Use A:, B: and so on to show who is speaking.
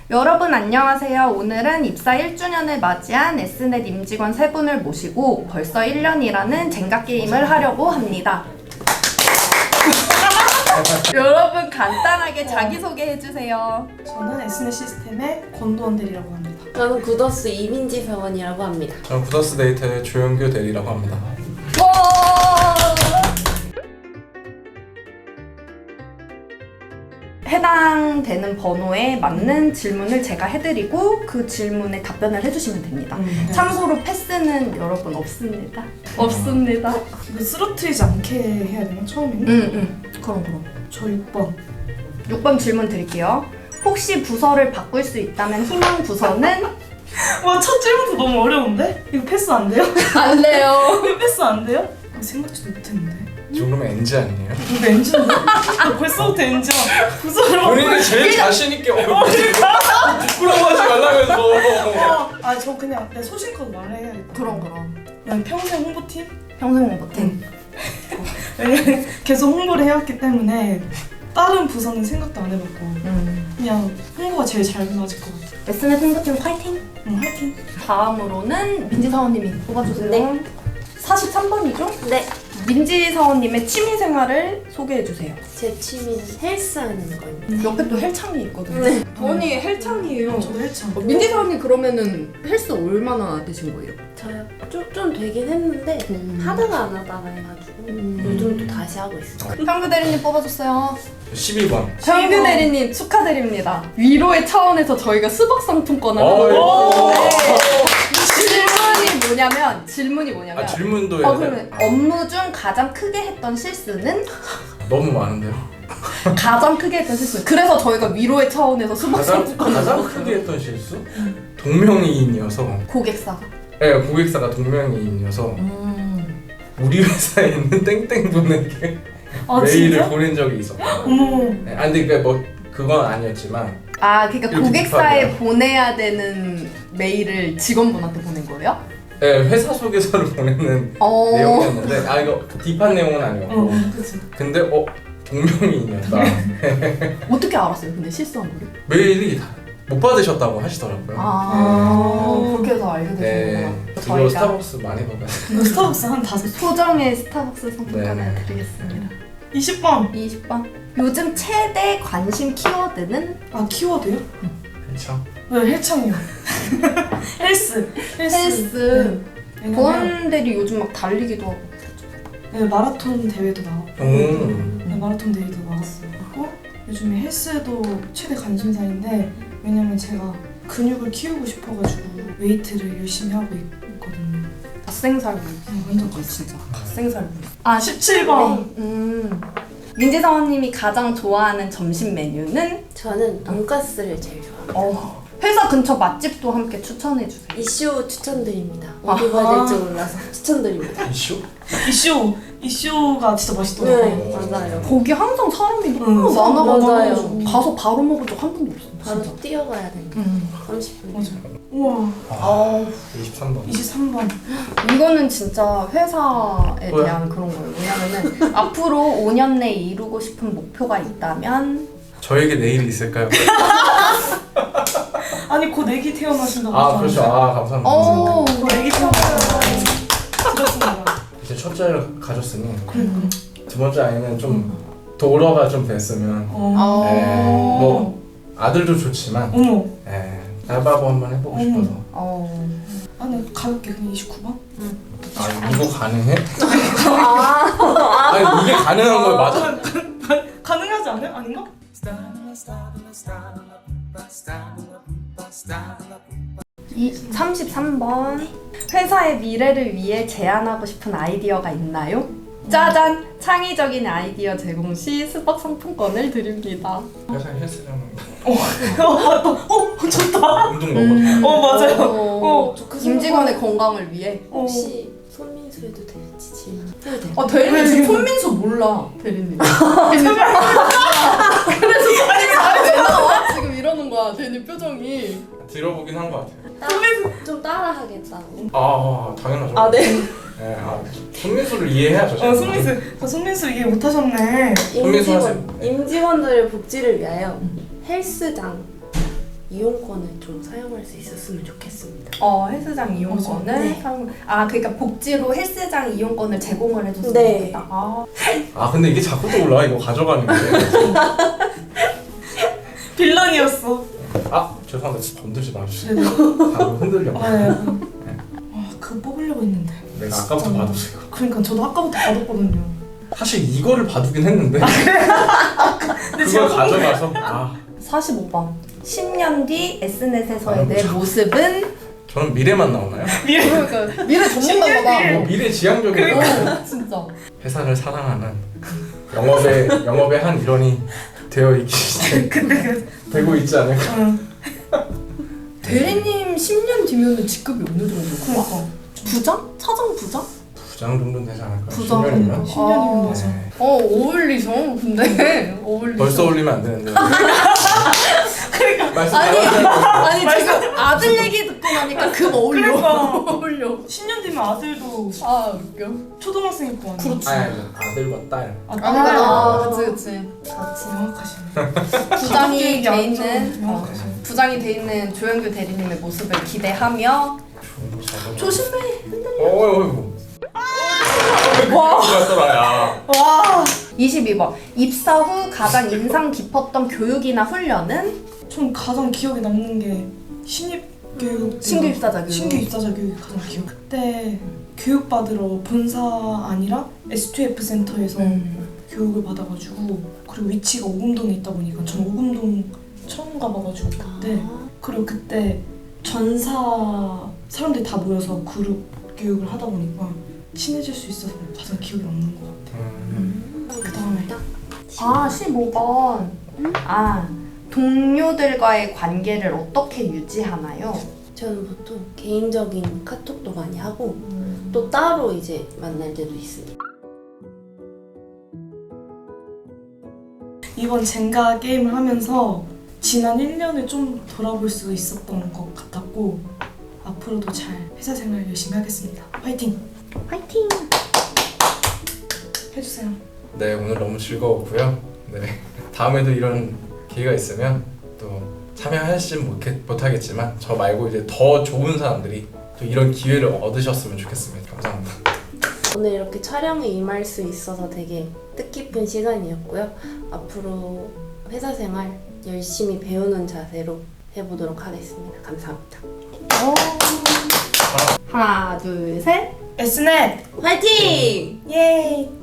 A: 여러분 안녕하세요. 오늘은 입사 1주년을 맞이한 S넷 임직원 3분을 모시고 벌써 1년이라는 젠가 게임을 하려고 합니다. 여러분 간단하게 자기소개해주세요.
B: 저는 S넷 시스템의 권도원 대리라고 합니다.
C: 저는 구더스 이민지 사원이라고 합니다.
D: 저는 구더스 데이터의 조영규 대리라고 합니다.
A: 해당되는 번호에 맞는 질문을 제가 해드리고 그 질문에 답변을 해주시면 됩니다.
B: 네.
A: 참고로 패스는 여러분 없습니다. 없습니다.
B: 이거 쓰러뜨리지 않게 해야 되나 처음에는?
A: 그럼.
B: 저 6번.
A: 6번 질문 드릴게요. 혹시 부서를 바꿀 수 있다면 희망 부서는?
B: 와, 첫 질문도 너무 어려운데? 이거 패스 안 돼요?
A: 안 돼요.
B: 이거 패스 안 돼요? 생각지도 못했는데.
D: 지금 그러면 NG 아니에요?
B: 이거 엔진인데? 벌써부터 엔진. 부서를
D: 본인이 제일 자신있게 부끄러워하지 말라면서.
B: 저 그냥 내 소신껏 말해야겠다.
A: 그럼.
B: 그냥 평생 홍보팀?
A: 평생 홍보팀.
B: 왜냐면 계속 홍보를 해왔기 때문에 다른 부서는 생각도 안 해봤고 그냥 홍보가 제일 잘 맞을 것 같아.
A: S넷 홍보팀 화이팅!
B: 화이팅!
A: 다음으로는 민지 사원님이 뽑아주세요.
C: 네.
A: 43번이죠?
C: 네.
A: 민지 사원님의 취미생활을 소개해주세요.
C: 제 취미는 헬스하는 거입니다.
A: 옆에 또 헬창이 있거든요.
C: 네.
A: 본이 헬창이에요.
B: 저도 헬창.
A: 민지 사원님 그러면은 헬스 얼마나 되신 거예요?
C: 저요? 좀 되긴 했는데 하다가 안 하다가 해가지고 요즘 또 다시 하고 있어요.
A: 평규 대리님 뽑아줬어요.
D: 12번.
A: 평규 대리님 축하드립니다. 위로의 차원에서 저희가 수박 상품권을
D: 오!
A: 질문이 뭐냐면
D: 질문도 해야
A: 그러면
D: 돼?
A: 업무 중 가장 크게 했던 실수는?
D: 너무 많은데요?
A: 가장 크게 했던 실수. 그래서 저희가 위로의 차원에서 수박 상품권을
D: 가장
A: 줬어요.
D: 크게 했던 실수? 동명이인이어서
A: 고객사가.
D: 네, 고객사가 동명이인이어서 우리 회사에 있는 땡땡 분에게 메일을
B: 진짜?
D: 보낸 적이 있었고.
B: 어머.
D: 네, 근데 그건 아니었지만
A: 그러니까
D: 이렇게
A: 고객사에
D: 급하게요.
A: 보내야 되는 메일을 직원분한테 보낸 거예요?
D: 네, 회사 소개서를 보내는 내용이었는데 이거 딥한 내용은 아니었고
B: 그치.
D: 근데 동명이인이었다.
A: 어떻게 알았어요? 근데 실수한 거를?
D: 메일이 못 받으셨다고 하시더라고요.
A: 그렇게 해서 알게
D: 네,
A: 되셨구나.
D: 그리고
A: 저희가
D: 스타벅스 많이 먹었어요.
B: 이거 스타벅스 한 5.
A: 소정의 스타벅스 상품권을
D: 네네.
A: 드리겠습니다.
B: 20번.
A: 20번. 요즘 최대 관심 키워드는?
B: 키워드요?
D: 그렇죠.
B: 네, 헬창이요. 헬스.
A: 헬스.
B: 왜냐면
A: 보안 대리 요즘 막 달리기도 하고.
B: 네, 마라톤 대회도 나왔고 네, 마라톤 대회도 나왔어요. 그리고 요즘에 헬스도 최대 관심사인데 왜냐면 제가 근육을 키우고 싶어가지고 웨이트를 열심히 하고 있거든요.
A: 갓생살구.
B: 완전
A: 진짜. 갓생살구.
B: 17번.
A: 민지 사원님이 가장 좋아하는 점심 메뉴는?
C: 저는 돈가스를 제일 좋아합니다.
A: 회사 근처 맛집도 함께 추천해주세요.
C: 이슈 추천드립니다. 어디 가야 될지 몰라서 추천드립니다.
D: 이슈?
B: 이슈가 진짜 맛있더라고요.
C: 네, 맞아요.
A: 거기 항상 사람이 너무 많아가지고
C: 맞아요.
A: 가서 바로 먹은 적 한 번도 없어요.
C: 바로
A: 진짜.
C: 뛰어가야 되니까 30분.
B: 맞아. 우와.
D: 23번.
B: 23번.
A: 이거는 진짜 회사에
D: 뭐야?
A: 대한 그런 거예요. 왜냐면은 앞으로 5년 내에 이루고 싶은 목표가 있다면?
D: 저에게 내일이 있을까요?
B: 아니 곧 애기 태어나신다고
D: 그렇죠. 감사합니다.
B: 곧 애기 태어나신다고 들었습니다.
D: 이제 첫째를 가졌으니 두 번째 아이는 좀 도로가 좀 됐으면 뭐 아들도 좋지만
B: 어머.
D: 알바도 한번 해보고 싶어서.
B: 아니 가볍게 그냥 29번?
D: 이거 가능해? 아니 이게 가능한 걸 맞아?
B: 가능하지 않아요? 아닌가?
A: 33번. 회사의 미래를 위해 제안하고 싶은 아이디어가 있나요? 짜잔! 창의적인 아이디어 제공 시 스벅 상품권을 드립니다.
D: 회사 헬스장
B: 좋다.
D: 운동 너무
B: 맞아요.
A: 임직원의 건강을 위해.
C: 혹시 손민수 해도 될지 질문 해도 돼요?
A: 대리님 지금 손민수 몰라. 대리님. 그래서 왜 나와? 지금 이러는 거야. 대리님 표정이.
D: 들어보긴 한 것 같아요.
C: 좀 따라 하겠다고.
D: 당연하죠.
C: 네.
D: 손민수를 이해해야죠. 제가.
B: 손민수 이해 못하셨네.
D: 손민수 하세요.
C: 임직원들의 복지를 위하여 헬스장 이용권을 좀 사용할 수 있었으면 좋겠습니다.
A: 헬스장 이용권을
C: 네.
A: 그러니까 복지로 헬스장 이용권을 제공을 해줬으면
C: 네.
A: 좋겠다.
D: 근데 이게 자꾸 또 올라와. 이거 가져가는 게.
B: 빌런이었어.
D: 죄송한데 건들지 마주세요.
B: 네.
D: 방금 흔들려.
B: 그거 뽑으려고 했는데.
D: 내가 아까부터 봐줬어요.
B: 그러니까 저도 아까부터 받았거든요.
D: 사실 이거를 봐두긴 했는데 그걸
B: 제가
D: 가져가서
A: 45번. 10년 뒤 S넷에서의 내
D: 참.
A: 모습은
D: 저는 미래만 나오나요?
A: 그러니까 미래 전문가가 봐.
D: 미래 지향적인
A: 진짜.
D: 회사를 사랑하는 영업의 한 일원이 되어 있기 되고 있지 않을까.
A: 대리님 10년 뒤면은 직급이 어느 정도일까?
B: 그러니까.
A: 부장? 차장 부장?
D: 부장 정도는 되지 않을까?
A: 부장
D: 10년이면?
B: 10년이면 맞아.
A: 어울리죠. 근데 어울리죠.
D: 벌써 올리면 안 되는데. 말씀
A: 아니,
D: 잘하세요.
A: 지금 아들 얘기 듣고 나니까 급 어울려.
B: 그러니까.
A: 어울려.
B: 10년 뒤면 아들도
A: 웃겨.
B: 초등학생 있고 아니야.
A: 그렇지.
D: 아들과 딸.
A: 그치.
B: 명확하시네.
A: 부장이
B: 얘기
A: 돼
B: 안
A: 있는
B: 명확하시네.
A: 부장이 돼 있는 조영규 대리님의 모습을 기대하며 조심해.
D: 어이구. 와. 갔더라야.
B: 와.
A: 22번. 입사 후 가장 인상 깊었던 교육이나 훈련은?
B: 전 가장 기억에 남는 게 신입 교육.
A: 신규 입사자 교육.
B: 신규 입사자 교육이 가장 기억. 그때 교육 받으러 본사 아니라 S2F 센터에서 교육을 받아가지고, 그리고 위치가 오금동에 있다 보니까 전 오금동 처음 가봐가지고 그때. 그리고 그때 전사 사람들이 다 모여서 그룹 교육을 하다 보니까 친해질 수 있어서 가장 기억에 남는 것 같아요. 그 다음에
A: 15번. 동료들과의 관계를 어떻게 유지하나요?
C: 저는 보통 개인적인 카톡도 많이 하고 또 따로 이제 만날 때도 있습니다.
B: 이번 젠가 게임을 하면서 지난 1년을 좀 돌아볼 수 있었던 것 같았고, 앞으로도 잘 회사 생활 열심히 하겠습니다. 화이팅!
A: 화이팅!
B: 해주세요.
D: 네, 오늘 너무 즐거웠고요. 네, 다음에도 이런 기회가 있으면 또 참여하시진 못하겠지만 저 말고 이제 더 좋은 사람들이 또 이런 기회를 얻으셨으면 좋겠습니다. 감사합니다.
C: 오늘 이렇게 촬영에 임할 수 있어서 되게 뜻깊은 시간이었고요. 앞으로 회사 생활 열심히 배우는 자세로 해보도록 하겠습니다. 감사합니다.
A: 하나, 둘, 셋.
B: Snet!
C: 화이팅!
B: 예이!